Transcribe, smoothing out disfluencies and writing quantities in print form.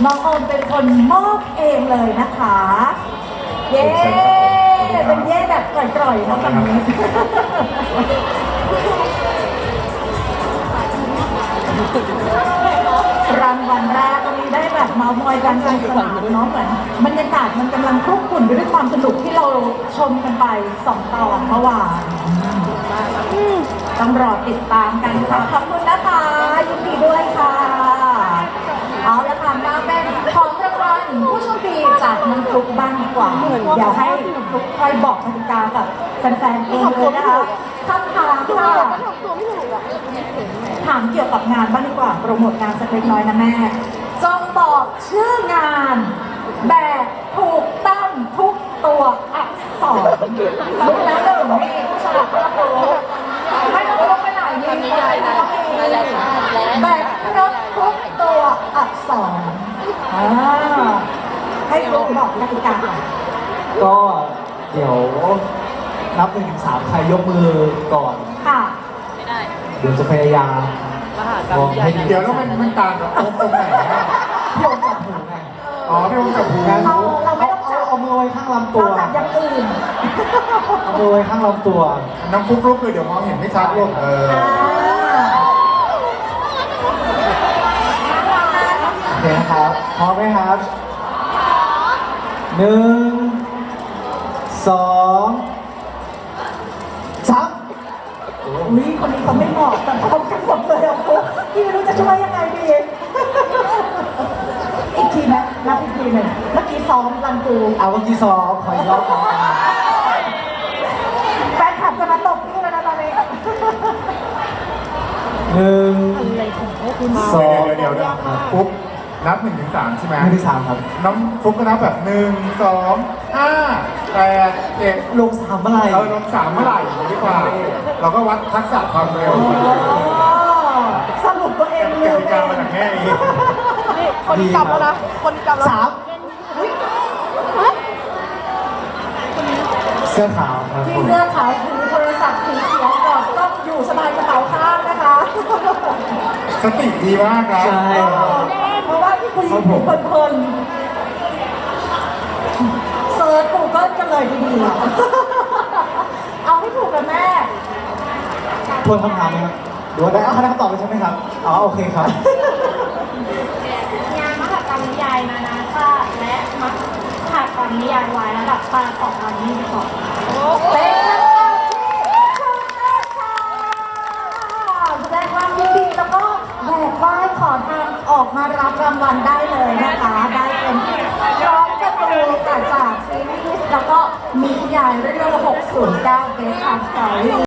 น้องโอมเป็นคนมอบเองเลยนะคะ เย้เป็นเย้แบบกร่อยๆนะตอนนี้รางวัลแรกวันนี้ได้แบบเมาส์มอยกันสนุกสนานเนาะเหมือนบรรยากาศมันกำลังคลุกคลุ่นไปด้วยความสนุกที่เราชมกันไป2 ตอนเมื่อวานต้องรอติดตามกันค่ะขอบคุณนะคะยินดีด้วยค่ะเอาละค่ะมาเป็นของรางวัลผู้โชคดีจากน้องฟลุ๊กบ้างดีกว่าเดี๋ยวให้ฟลุ๊กคอยบอกกติกากับแฟนๆเองเลยนะคะคำถามค่ะถามเกี่ยวกับงานบ้างดีกว่าโปรโมทงานสักเล็กน้อยนะแม่จงบอกชื่องานแบบถูกต้องทุกตัวอักษรรู้แล้วหนึ่งนี่ฉลาดกระโปรงไม่ต้องรู้ไปไหนยิงใหญ่นะแบบครบทุกตัวอักษรให้ฟลุ๊กบอกกติกาก่อนก็เดี๋ยวนับ1 ถึง 3ใครยกมือก่อนค่ะเดี๋ยวจะพยายามมองให้ดีเดี๋ยวแล้วมันต่างกับโอมตรงไหนนะพี่โอมจับหูไงอ๋อพี่โอมกับหูงั้นเราไม่ต้องจับเอามือไว้ข้างลำตัวเราจับอย่างอื่นเอามือไว้ข้างลำตัวน้ำฟุกลุกเลยเดี๋ยวมองเห็นไม่ชัดลูกโอเคนะครับพร้อมไหมครับ1 2 3 อุ้ยคนนี้เขาไม่เหมาะแต่พร้อมกันหมดเลยอ่ะปุ๊บพี่ไม่รู้จะช่วยยังไงดี อีกทีไหมนับอีกทีหนึ่งเมื่อกี้ซ้อมรันกูเอาเมื่อกี้ซ้อมขออีกรอบหนึ่งแฟนคลับจะมาตบพี่แล้วนะตอนนี้สองเดี๋ยวฟุกนับ1 ถึง 3ใช่ไหมอันที่3ครับน้ำฟุกก็นับแบบ1 2 5 8 7 ลง3เมื่อไหร่ลง3เมื่อไหร่ดีกว่า เราก็วัดทักษะความเร็วสรุปตัวเองกลืมติเอกาง มาจากแม่เองนี่คนกลับแล้วนะ คนกลับแล้วเสื้อขาวครับพี่เสื้อขาวถือโทรศัพท์สีเขียวกอดกล้องอยู่สบายกระเป๋าข้างนะคะสติดีมากนะใช่เพราะว่าพี่คุยอยู่เพลินๆเซิร์ชกูเกิลกันเลยทีเดียวเอาให้ถูกกันแม่ทวนคำถามไหมครับหรือว่าได้คำตอบเลยใช่ไหมครับอ๋อโอเคครับงานมหกรรมนิยายนานาชาติและมหกรรมนิยายวายระดับชาติ2022 เป็นคำตอบที่ถูกต้องค่ะแสดงความยินดีแล้วก็แบกไหว้ขอทางออกมารับรางวัลได้เลยนะคะ ได้เป็นร้องการ์ตูนจากซีรีส์แล้วก็มีนิยายเรื่อง609 Best Time Story